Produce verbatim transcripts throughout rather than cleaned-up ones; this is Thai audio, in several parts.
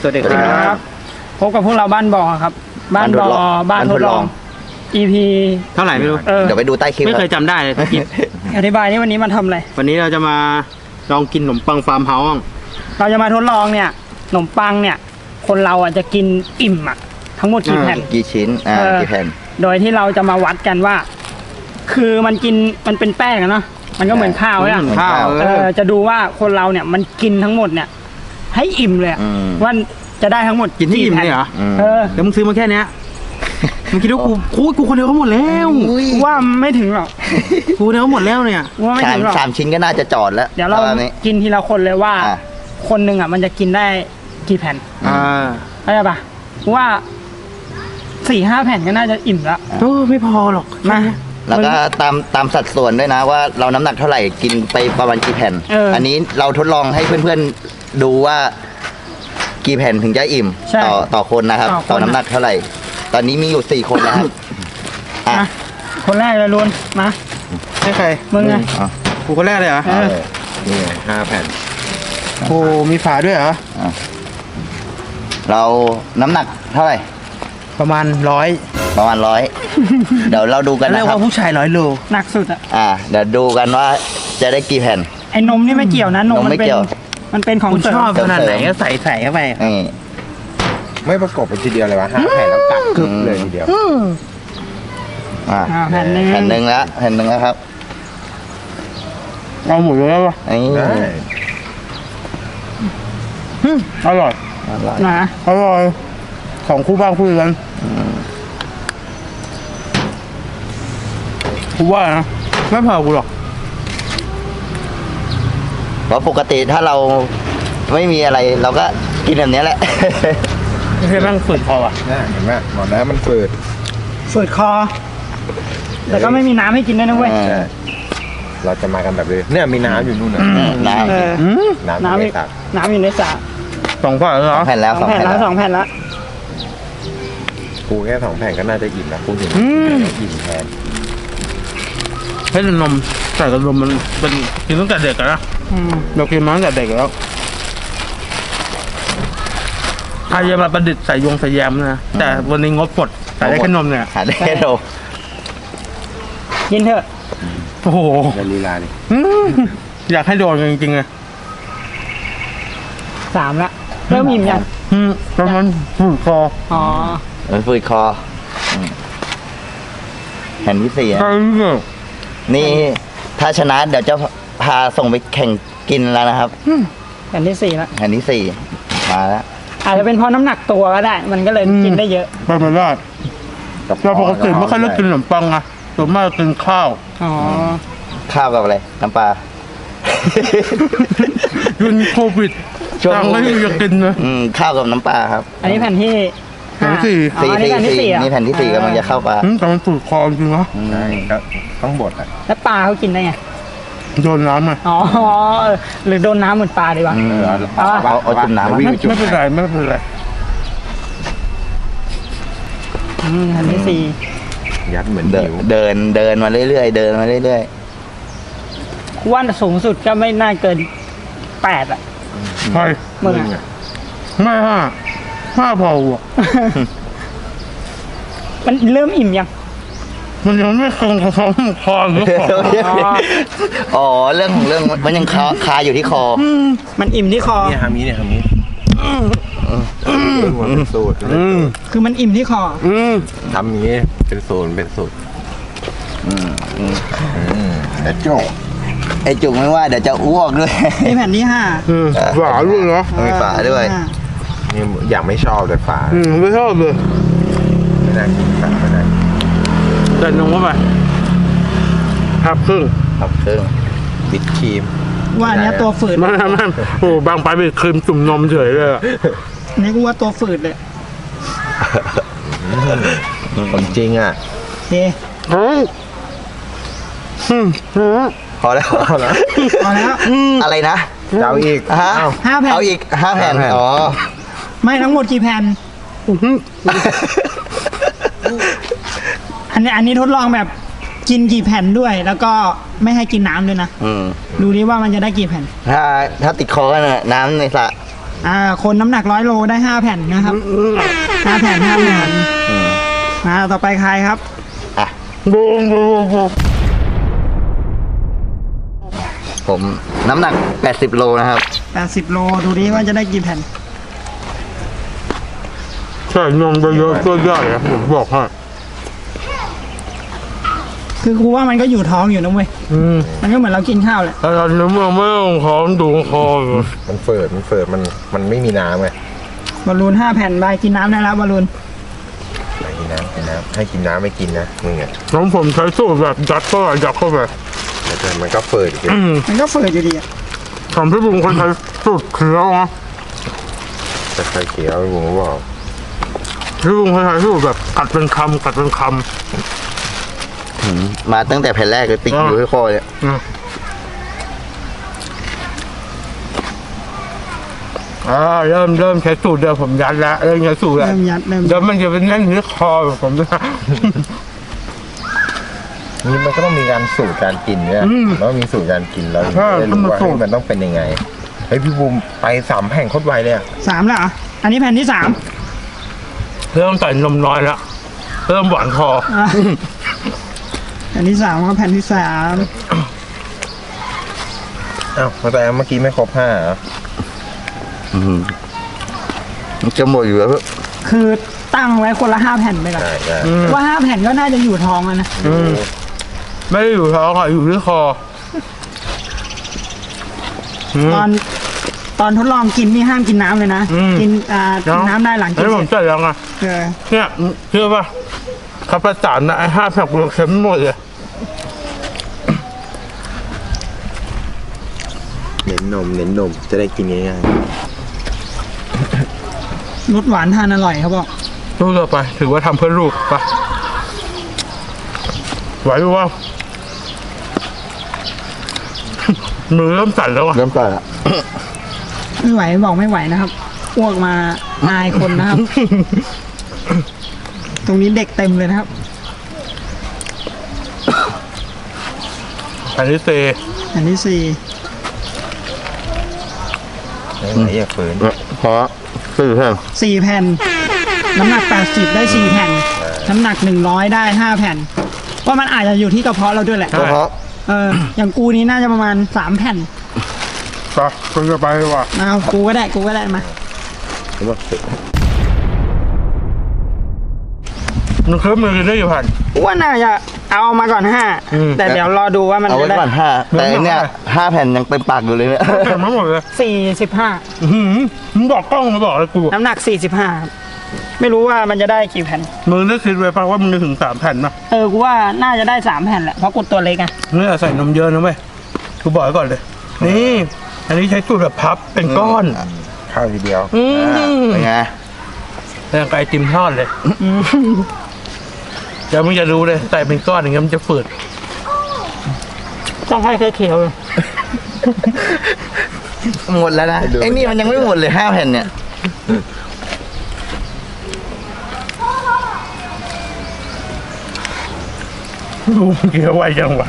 วัสดีครับพบกับพวกเราบ้านบอครับบ้านบอบ้านทดลอง อี พีเท่าไหร่ไม่รู้เดี๋ยวไปดูใต้คลิปไม่เคยจำได้เลยกินอธิบายนี่วันนี้มันทำอะไรวันนี้เราจะมาลองกินขนมปังฟาร์มเฮาส์เราจะมาทดลองเนี่ยขนมปังเนี่ยคนเราอ่ะจะกินอิ่มอ่ะทั้งหมดกี่แผ่นกี่ชิ้นอ่ากี่แผ่นโดยที่เราจะมาวัดกันว่าคือมันกินมันเป็นแป้งอะเนาะมันก็เหมือนข้าวเนี่ยข้าวเออจะดูว่าคนเราเนี่ยมันกินทั้งหมดเนี่ยให้อิ่มเลยว่าจะได้ทั้งหมดกินที่อิ่มเลยเหรอเออแล้วมึงซื้อมาแค่เนี้ยมึงคิดว่ากูกูกูคนเดียวเขาหมดแล้วว่าไม่ถึงหรอกกูเดียวหมดแล้วเนี่ยว่าไม่ถึงหรอกสามชิ้นก็น่าจะจอดแล้วเดี๋ยวเรากินทีละคนเลยว่าคนหนึ่งอ่ะมันจะกินได้กี่แผ่นอ่าเข้าใจปะว่าสี่ห้าแผ่นก็น่าจะอิ่มแล้วโอ้ไม่พอหรอกนะแล้วก็ตามตามสัดส่วนด้วยนะว่าเราน้ำหนักเท่าไหร่กินไปประมาณกี่แผ่น อันนี้เราทดลองให้เพื่อนๆดูว่ากี่แผ่นถึงจะอิ่มต่อต่อคนนะครับต่อน้ำหนักเท่าไหร่ตอนนี้มีอยู่สี่คนนะครับคนแรกเลยลุนมาให้ใครมึงไงกูคนแรกเลยเหรอนี่ห้าแผ่นโอ้มีฝาด้วยเหรอเราน้ำหนักเท่าไหร่ประมาณร้อยประมาณร้อยเดี๋ยวเราดูกันนะครับเรียกว่าผู้ชายร้อยโลหนักสุดอ่ะอ่าเดี๋ยวดูกันว่าจะได้กี่แผ่นไอ้นมนี่ไม่เกี่ยวนะนมมันเป็นมันเป็นของชอบขนาดไหนก็ใส่ใส่เข้าไปไม่ประกบไปทีเดียวเลยวะห้าแผ่นแล้วกัดกึบเลยทีเดียวอ่าแผ่นหนึ่งแผ่นหนึ่งแล้วแผ่นหนึ่งแล้วครับเอาหมดเลยป่ะอร่อยนะอร่อยของคู่บ้านคู่กันกูว่านะไม่พอกูหรอกเพราะปกติถ้าเราไม่มีอะไรเราก็กินแบบนี้แหละไม่ใช่แม่งฝืดคออ่ะเห็นไหมหมดแล้วมันฝืดฝืดคอแต่ก็ไม่มีน้ำให้กินด้วยนะเว้ยเราจะมากันแบบนี้เนี่ยมีน้ำอยู่นู่นนะน้ำน้ำอยู่ในสระน้ำอยู่ในสระสองแผ่นแล้วแผ่นแล้วสองแผ่นแล้วสองแผ่นแล้วกูแค่สองแผ่นก็น่าจะอิ่มแล้วกูถึงอิ่มแทนให้นมใส่กับนมมันเป็นกินตั้งแต่เด็กนะเรากินมาตั้งแต่เด็กแล้วใครจะมาประดิษฐ์ใส่ยงใส่แยมนะแต่วันนี้งบปลดใส่ได้แค่นมเนี่ยหาได้แค่นมกินเถอะโอ้โหลีลาดิอยากให้โดนจริงๆเลยสามละเริ่มอิ่มยังอืมประมาณฝืดคออ๋อเออฝืดคอแผ่นที่สี่นี่ถ้าชนะเดี๋ยวจะพาส่งไปแข่งกินแล้วนะครับแผ่นที่สี่แล้วแผ่นที่สี่มาแล้วอาจจะเป็นเพราะน้ำหนักตัวก็ได้มันก็เลยกินได้เยอะไม่เป็นไรเราปกติไม่ค่อยเลือกกินขนมปังอะส่วนมากกินข้าวอ๋อข้าวกับอะไรน้ำปลายุนโควิดจังไม่อยากกินนะข้าวกับน้ำปลาครับอันนี้แผ่นที่แผ่นที่สี่สี่สี่นี่แผ่นที่สี่กำลังจะเข้าปลาแต่มันฝืดคอจริงเหรอใช่ก็ต้องบดอ่ะแล้วปลาเขากินได้ไงโดนน้ำไงอ๋อหรือโดนน้ำเหมือนปลาดีวะเอาเอาจุ่มน้ำไม่เป็นไรไม่เป็นไรแผ่นที่สี่ยัดเหมือนเดินเดินเดินมาเรื่อยๆเดินมาเรื่อยๆว่าสูงสุดก็ไม่น่าเกินแปดอ่ะใช่มึงไม่ห้าห้าพอวะมันเริ่มอิ่มยังมันยังไม่คงคอคอหรือคออ๋อเรื่องของเรื่องมันยังคาคาอยู่ที่คอมันอิ่มที่คอเนี่ยทำนี้เนี่ยทำนี้เป็นสูตรคือมันอิ่มที่คอทำนี้เป็นสูตรเป็นสูตรแต่จุกไอจุกไม่ว่าเดี๋ยวจะอ้วกด้วยนี่แผ่นที่ห้าฝาด้วยเนาะมีฝาด้วยนี่อย่างไม่ชอบเลยฝาไม่ชอบเลยไม่ได้กินฝาไม่ได้เดินลงเข้าไปทับครึ่งทับครึ่งบิดครีมว่าเนี้ยตัวฝืดไม่ไม่โอ้บางไปเป็นครีมจุ่มนมเฉยเลยนี่กูว่าตัวฝืดเลยผมจริงอ่ะเฮ้ยพอแล้วพอแล้วพอแล้วอะไรนะเอาอีกฮะห้าแผ่นเอาอีกห้าแผ่นอ๋อไม่ทั้งหมดกี่แผ่นอันนี้อันนี้ทดลองแบบกินกี่แผ่นด้วยแล้วก็ไม่ให้กินน้ำด้วยนะดูดิว่ามันจะได้กี่แผ่นถ้าถ้าติดคอกันน่ะน้ำในสระอ่าคนน้ำหนักร้อยโลได้ห้าแผ่นนะครับห้าแผ่นห้าแผ่นอืมมาต่อไปใครครับอ่ะบูมบูมบูมผมน้ำหนักแปดสิบโลนะครับแปดสิบโลดูดิว่าจะได้กี่แผ่นใช่นมไปเยอะก็ยากนะผมบอกให้คือครูว่ามันก็อยู่ท้องอยู่นะเว้ยอืมมันก็เหมือนเรากินข้าวแหละแต่ตอนนี้มันไม่ต้องขอดูคออยู่มันเฟิร์ดมันเฟิร์ดมันมันไม่มีน้ำไงบอลลูนห้าแผ่นไปกินน้ำได้แล้วบอลลูนไม่กินน้ำกินน้ำให้กินน้ำไม่กินนะมึงอ่ะน้องผมใช้สูตรแบบยัดเข้าไปยัดเข้าไปแต่มันก็เฟิร์ดอีกอืมมันก็เฟิร์ดอยู่ดีอะทำพี่บุ๋มคนใช้สูตรเคี้ยวนะแต่ไข่เขียวผมก็บอกพี่บุ๋มคนใช้สูตรแบบกัดเป็นคำกัดเป็นคอืมมาตั้งแต่แผ่นแรกเลยติดอยู่ที่คอเนี่ยำอืมอ่าเริ่มเริ่มใช้สูตรเดียวผมยัดแล้วเริ่มใช้สูตรแล้วเริ่มยัดเริ่มเดี๋ยวมันจะเป็นแน่นที่คอผมนะนี่มันก็ต้องมีการสูตรการกินเนี่ยอืมแล้วมีสูตรการกินแล้วใช่ได้รู้ว่าต้องมาสูตรเฮ้ยมันต้องเป็นยังไงเฮ้ยพี่บูมไปสามแผ่นโคตรไวเลยอ่ะสามแล้วเหรออันนี้แผ่นที่สามเริ่มใส่นมน้อยแล้วเริ่มหวานคออ่ะแผ่นที่สามครับแผ่นที่สามอ้าวแต่เมื่อกี้ไม่ครบห้าเหรออืมมันจะหมดอยู่แล้วคือตั้งไว้คนละห้าแผ่นไปก่อนใช่ใช่อืมว่าห้าแผ่นก็น่าจะอยู่ท้องแล้วนะอืมไม่ได้อยู่ท้องค่ะอยู่ที่คออืมตอนตอนทดลองกินนี่ห้ามกินน้ำเลยนะอืมกินอ่ากินน้ำได้หลังอักินนนี้เสผร็มจใส่ยังอ่ะเออเนี่ยเชื่อป่ะขับประสานนะไอ้ห้าแผงเค็มหมดเลยเน้นนมเน้นนมจะได้กินง่ายรสหวานทานอร่อยเขาบอกลูกต่อไปถือว่าทำเพื่อลูกไปะไหวหรือว่า มือเริ่มสั่นแล้วอ่ะเริ่มก่อนละไม่ไหวบอกไม่ไหวนะครับอ้วกมาอายคนนะครับ ตรงนี้เด็กเต็มเลยนะครับอันนี้เซอันที่สี่ๆไม่ไหวอย่าเฟิร์นเพราะสี่แผ่นสี่แผ่น น้ำหนักแปดสิบได้สี่แผ่น น้ำหนักหนึ่งร้อยได้ห้าแผ่น ว่ามันอาจจะอยู่ที่กระเพาะเราด้วยแหละก็เพราะเออ อย่างกูนี้น่าจะประมาณสามแผ่นไปคุยกันไปดีกว่าเอากูก็ได้กูก็ได้มามันคือมือกินได้กี่พันว่าน่าจะเอามาก่อนห้าอืมแต่เดี๋ยวรอดูว่ามันเอาจะไว้ได้ก่อนห้าแต่อันเนี่ยห้าแผ่นยังเต็มปากอยู่เลยเนี่ยเต็มไม่หมดเลยสี่สิบห้าอื้อหือมึงบอกกล้องมาบอกเลยกูน้ำหนักสี่สิบห้าไม่รู้ว่ามันจะได้กี่แผ่นมึงได้คิดไว้ป่ะว่ามึงจะถึงสามแผ่นนะเออ กูว่าน่าจะได้สามแผ่นแหละ เพราะกูตัวเล็กไงเนี่ยใส่นมเยอะนะเว้ยกูบอกไว้ก่อนเลย นี่ อันนี้ใช้สูตรแบบพับเป็นก้อนข้าวทีเดียวอือ่ามเป็นไงอย่างไก่ติมทอดเลยเดี๋ยวมึงจะรู้เลยใส่เป็นก้อนอย่างเงี้ยมันจะฝืดต้องให้เขียวๆเลยหมดแล้วนะไอ้นี่มันยังไม่หมดเลยห้าแผ่นเนี่ยดูเกี่ยวไวจังวะ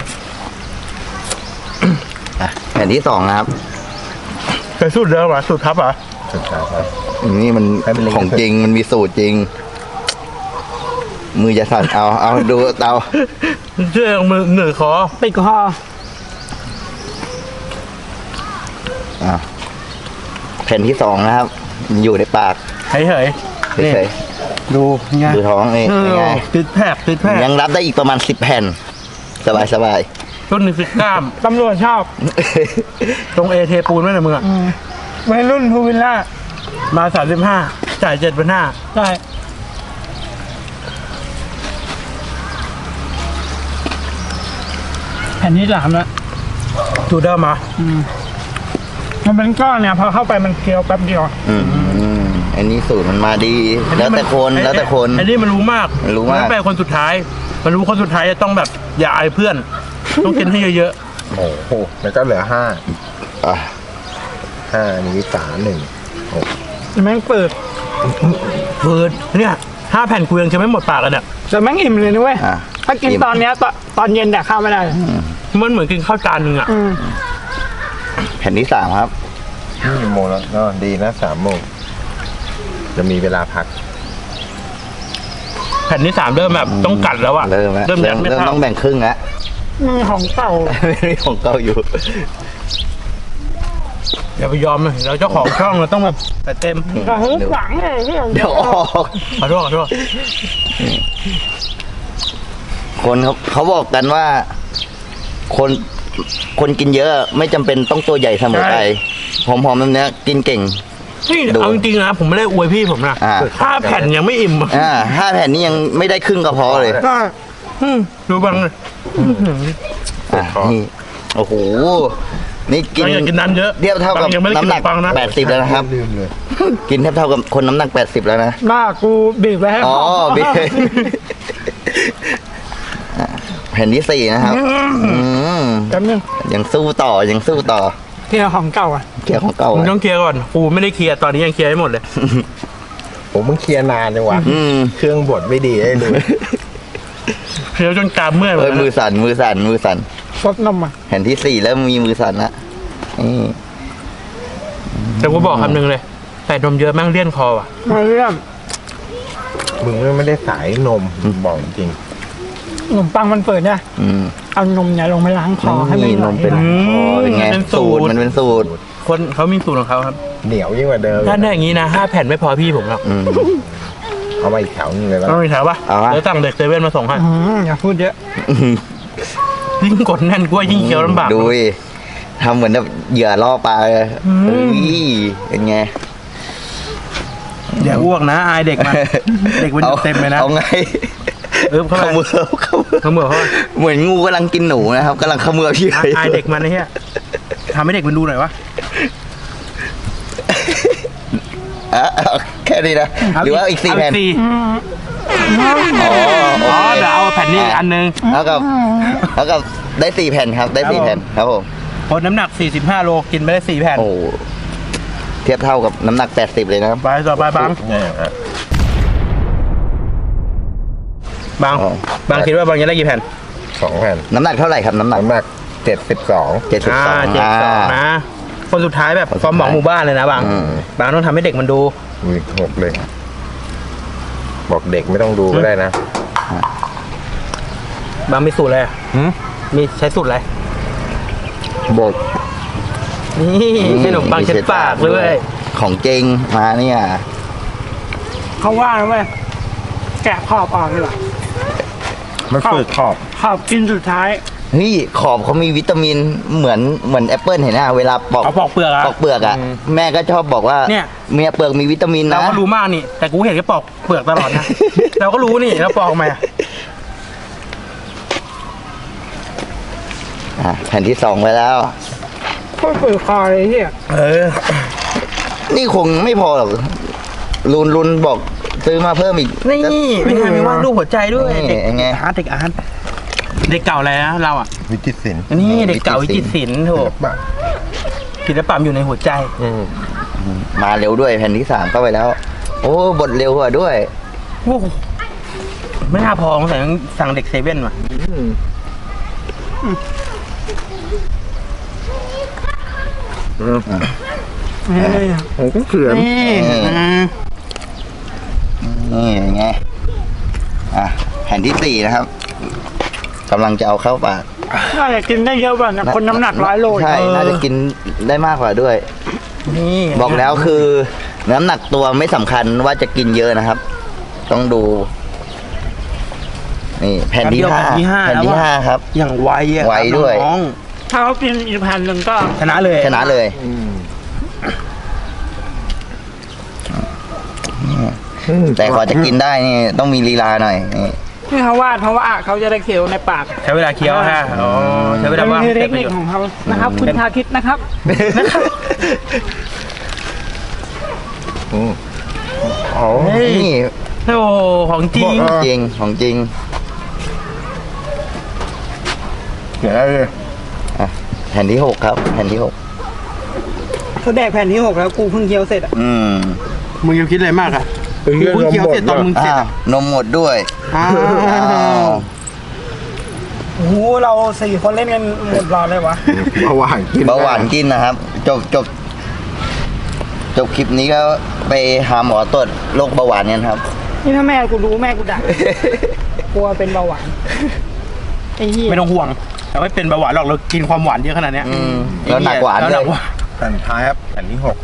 อ่ะแผ่นที่สองนะครับไปสูตรเดิมเหรอสูตรพับเหรอ่ะสุดท้ายครับนี่มันให้มันเล็กของจริงมันมีสูตรจริง มือจะสั่นเอาเอาดูเอาเชื่อมือเหนือคอติดคออ่ะแผ่นที่สองนะครับมันอยู่ในปากเฮ้ยเฮ้ยนี่เฉยดูไงๆดูท้องนี่เอเป็นอไงติดแผลบติดแผลบยังรับได้อีกประมาณสิบแผ่น สบายสบายต้นนึงสิบกล้ามตำรวจชอบตรงเอเทปูนไหมเนี่ยมึงอ่ะวัยรุ่นพูวิลล่ามาสามสิบห้าจ่ายเจ็ดพันห้าใช่แผ่นที่สามแล้วดูได้มามันเป็นก้อนเนี่ย พอเข้าไปมันเคี้ยวแป๊บเดียวอืมอันนี้สูตรมันมาดี แล้วแต่คนแล้วแต่คนอันนี้มันรู้มากมันรู้มากนเป็นคนสุดท้าย มันรู้คนสุดท้ายจะต้องแบบอย่าอายเพื่อน ต้องกินให้เยอะโอ้โหแล้วก็เหลือห้าอ่ะห้าอันนี้สามหนึ่งหกแม่งเปิดๆเฟิร์นเนี่ยห้าแผ่นกูยังจะไม่หมดปากกันเนี่ยแต่แม่งอิ่มเลยนะเว้ยอ่ะถ้ากินตอนเนี้ยตอนตอนเย็นแต่ข้าวไม่ได้มันเหมือนกินข้าวจานหนึ่งอ่ะอืมแผ่นที่สามครับนี่โมงแล้วก็ดีนะสามโมงจะมีเวลาพักแผ่นที่สามเริ่มแบบต้องกัดแล้วอะเริ่มแล้วเริ่มเริ่ยัมดไม่เริ่มเข้าต้องแบ่งครึ่งแล้วมือของเก่าไม่มีของเก่าอยู่อย่าไปยอมเลยเราเจ้าของช่องเราต้องแบบแต่เต็มกระหึ่มหลังเลยที่เดี๋ยวออกขอโทษขอโทษคนเขาเขาบอกกันว่า คนคนกินเยอะไม่จำเป็นต้องตัวใหญ่เสมอไปหอมๆแบบเนี้ยกินเก่งนี่ดูเอาจริงๆนะผมไม่ได้อวยพี่ผมนะอ่าห้าแผ่นยังไม่อิ่มอะอ่าห้าแผ่นนี้ยังไม่ได้ครึ่งกระเพาะเลยก็อืมดูบ้างเลยอ่ะนี่โอ้โหนี่กินเราอยากกินน้ำเยอะเทียบเท่ากับยังไม่ได้น้ำหนักกินขนมปังนะแปดสิบแล้วนะครับลืมเลยกินเทียบเท่ากับคนน้ำหนักแปดสิบแล้วนะหน้ากูบีบไว้ให้อ๋อพเบอ่ะแผ่นที่สี่นะครับอืมจำยังยังสู้ต่อยังสู้ต่อเที่ยวของเก่าอ่ะเกี่ยวของเก่ามึงอะต้องเคลียร์ก่อนกูไม่ได้เคลียร์ตอนนี้ยังเคลียร์ไม่หมดเลยผมมึงเคลียร์นานจังวะอืมเครื่องบดไม่ดีให้ดูเคลียร์จนกรามเมื่อยหมเอดอแล้วมือนะสั่นมือสั่นมือสั่นซดนมอ่ะแผ่นที่สี่แล้วมีมือสั่นละนี่แต่กูบอกคำหนึ่งเลยแต่นมเยอะแม่งเลี่ยนคอว่ะมาเรื่องมึงไม่ได้สายนมบอกจริงขนมปังมันเปิดเนี่ยอืมเอานมเนี่ยลงไปล้างคอให้มันนี่ไหลนมเป็นไหลคอเป็นไงเป็นสูสูตตรรมันเป็นสูตรคนเขามีสูตรของเขาครับเหนียวยิ่งกว่าเดิมถ้าได้อย่างนี้นะห้าแผ่นไม่พอพี่ผมหรอกอืมเอามาอีกแถวนึงเลยแล้วต้องมีแถวปะเอาวะเดี๋ยวสั่งเด็กเซเว่นมาส่งให้อืมอย่าพูดเยอะยิ่งกดแน่นกล้วยยิ่งเคี้ยวลำบากดูดิทำเหมือนแบบเหยื่อล่อปลาเลยอืมเฮ้ยเป็นไงอย่าอ้วกนะอายเด็กมัน เด็กมันอยู่เต็มเลยนะเอาไงเออเข้าขไปมือขมือเขาเหมือนเขาเหมือนงูกำลังกินหนูนะครับกำลังเขมือบพี่อายอายเด็กมันนะเฮียทำให้เด็กมันดูหน่อยวะอ่ะเอาแค่นี้นะหรือว่าอีกสี่แผ่นเาสี่อ๋อโออ๋อเคเดี๋ยวเอาแผ่นนี้อีกอันนึงเท่ากับเท่ากับได้สี่แผ่นครับ ได้สี่ครับผมแผ่นครับผมคนน้ำหนักสี่สิบห้าโลกินไปได้สี่แผ่นโอ้เทียบเท่ากับน้ำหนักแปดสิบเลยนะครับไปต่อไปบางเนี่ยอ่ะบางอ๋อบางคิดว่าบางจะได้กี่แผ่นสองแผ่นน้ำหนักเท่าไหร่ครับน้ำหนักน้ำหนักเจ็ดสิบสองเจ็ดสิบอ่าสองเจ็ดสองนะ คนสุดท้ายแบบคนสุดความหวังท้ายหมู่บ้านเลยนะบางอืมบางต้องทำให้เด็กมันดูอุ้ยหกเลย บอกเด็กไม่ต้องดูก็ได้นะบางมีสูตรอะไรอะหืมมีใช้สูตรอะไรบอกนี่ขนมปังเช็ดปากด้วยของจริงมาเนี่ยเขาว่านะเว้ยแกะขอบออกดีกว่ามันฝืดขอบขอบกินสุดท้ายเฮ้ยขอบเขามีวิตามินเหมือนเหมือนแอปเปิลเห็นไหมเวลาปอกเอาปอกเปลือกอะปอกเปลือกอ่ะแม่ก็ชอบบอกว่าเนี่ยเมียเปลือกมีวิตามินเรานะก็รู้มากนี่ แต่กูเห็นแค่ปอกเปลือกตลอด นะ เราก็รู้นี่แล้วปอกมาอ่ะแผ่นที่สองไปแล้วโคตรเปิดคอเลยที่เออนี่คงไม่พอหรอกลุนลุนบอกซื้อมาเพิ่มอีกนี่เป็นไงมีวาดรูปหัวใจด้วยนี่เด็กไงอาร์ตเด็กอาร์ตเด็กเก่าอะไรนะเราอ่ะวิจิตรศิลป์นี่เด็กเก่าวิจิตรศิลป์โถศิลปะศิลปะอยู่ในหัวใจอืมมาเร็วด้วยแผ่นที่สามเข้าไปแล้ว โอ้บทเร็วกว่าด้วยโอ้โหไม่น่าพอสงสัยต้องสั่งเด็กเซเว่นว่ะนี่ผมก็เขือนนี่อืมอืมนี่ไงอ่ะแผ่นที่สี่นะครับกำลังจะเอาเข้าปากน่าจะกินได้เยอะกว่านะคนน้ำหนักร้อยโลใช่น่าจะกินได้มากกว่าด้วยนี่บอกแล้วคือน้ำหนักตัวไม่สำคัญว่าจะกินเยอะนะครับ ต้องดู นี่แผ่นที่ห้าแผ่นที่ห้าแผ่นที่ห้าครับอย่างไวอ่ะไวด้วยน้องถ้าเขากินอีกแผ่นหนึ่งก็ๆชนะเลยชนะเลยอืมแต่กว่าจะกินได้นี่ต้องมีลีลาหน่อยนี่ที่เขาวาดเพราะว่าเขาจะได้เคี้ยวในปากใช้เวลาเคี้ยวฮะอ๋อใช้เวลามันว่างมีเทให้คเกิดประนิคโยชน์ของเขานะครับ คุณชาคิดนะครับนะครับอืมอ๋อเฮ้ยนี่โอ้โหของจริงบอกจริงของจริงเดี๋ยวได้เลยอ่ะแผ่นที่หกครับ แผ่นที่หกเขาแดกแผ่นที่หกแล้วกูเพิ่งเคี้ยวเสร็จอ่ะอืมมึงยังคิดอะไรมากอ่ะเป็นกูเรื่องเพิ่งเคี้ยวเสร็จตอนมึงเสร็จอ้าวอ่ะนมหมดด้วยอ้าอ้าว วโอ้โหเราสี่คนเล่นกันหมดรอเลยวะเบาหวานกินเบาหวานกินนะครับ จบจบจบคลิปนี้ก็ไปหาหมอตรวจโรคเบาหวานกันครับนี่ถ้าแม่กูรู้แม่กูด่ากลัวเป็นเบาหวานไอ้เหี้ยไม่ต้องห่วงเราไม่เป็นเบาหวานหรอกเรากินความหวานเยอะขนาดเนี้ยอืมแล้วหนักหวานแล้วหนักเลยหวานแผ่นท้ายครับแผ่นที่หก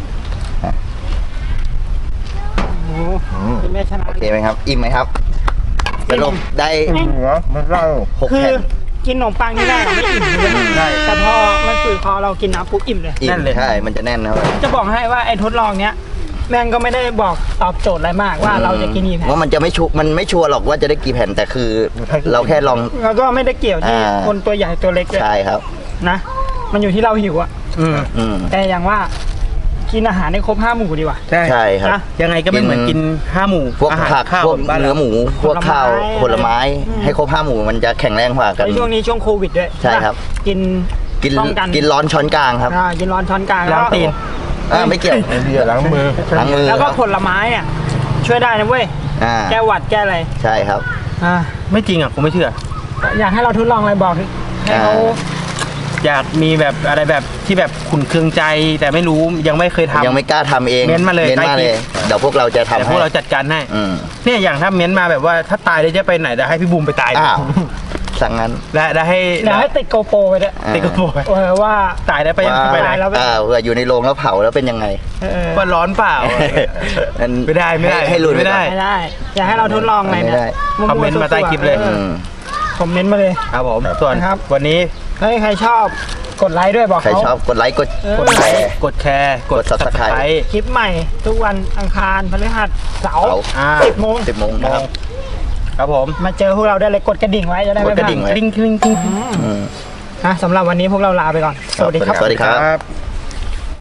โอ้โหเป็นแม่ชนะโอเคไหมครับ อิ่มไหมครับสรุปได้หัวมันเล่าหกคือแผ่นกินขนมปังนี่ได้เราไม่อิ่มเลยแต่พอมันฝืดคอเรากินน้ำปุ๊บอิ่มเลยอิ่มใช่มันจะแน่นนะครับจะบอกให้ว่าไอ้ทดลองเนี้ยแม่งก็ไม่ได้บอกตอบโจทย์อะไรมากว่าเราจะกินกี่แผ่นว่ามันจะไม่ชัวร์มันไม่ชัวร์หรอกว่าจะได้กี่แผ่นแต่คือ เราแค่ลองแล้วก็ไม่ได้เกี่ยวที่อ่าคนตัวใหญ่ตัวเล็กเลยใช่ครับนะ มันอยู่ที่เราหิวอะอืมอืมแต่อย่างว่ากินอาหารให้ครบห้าหมู่ดีกว่าใช่ใช่ครับนะยังไงก็ไม่เหมือนกินห้าหมู่พวกอาหารผักข้าวพวกบ้านเนื้อเราหมู พวกข้าวผผลลไม้ไม้อืมให้ครบห้าหมู่มันจะแข็งแรงกว่ากันในช่วงนี้ช่วงโควิดด้วยใช่ครับกินกินป้องกันกินร้อนช้อนกลางครับอ่ากินร้อนช้อนกลางล้างแล้วตีนอ่าไม่เกี่ยวไอ้เหี้ยล้างมือล้างมือแล้วก็ผลไม้เนี่ยช่วยได้นะเว้ยอ่าแก้หวัดแก้อะไรใช่ครับอ่าไม่จริงอ่ะผมไม่เชื่ออยากให้เราทดลองอะไรบอกให้เขาอ่าอยากมีแบบอะไรแบบที่แบบขุนเคืองใจ แต่ไม่รู้ยังไม่เคยทำยังไม่กล้าทำเองเม้นมาเลยเม้นมาใต้คเลลิยปเดี๋ยวพวกเราจะทำแต่พให้วกเราจัดการให้อืมเนี่ยอย่างถ้าเม้นมาแบบว่าถ้าตายได้จะไปไหนได้ให้พี่บูมไปตายอ้าวสั่งงั้นและได้ให้เดี๋ยวให้ติดโกโปรไปด้วยอ่าติดกระโปรงเออว่าตายได้ไปยังไปไหนตายแล้วอ่าเผื่ออยู่ในโรงแล้วเผาแล้วเป็นยังไงเออว่าร้อนเปล่าอันไม่ได้ไม่ได้ให้ให้ลุ้นไม่ได้ไม่ได้ อยากให้เราทดลองอะไรไม่เนี่ยได้คอมเมนต์มาใต้คลิปเลยออือมคอมเมนต์มาเลยครับผมส่วนนะครับวันนี้เฮ้ยใครชอบกดไลค์ด้วยบอกใครเขาชอบกดไลค์กดเออกดแชร์กดแชร์กด Subscribe คลิปใหม่ทุกวันอังคารพฤหัสเสาร์เสาร์อ่าสิบโมงสิบโมงนะครับครับผมมาเจอพวกเราได้เลยกดกระดิ่งไว้จะได้ไม่กดกระดิ่งพไว้ลาดกริ๊งกริ๊งกริ๊งอืมอืมนะสำหรับวันนี้พวกเราลาไปก่อน สวัสดีครับสวัสดีครับครับ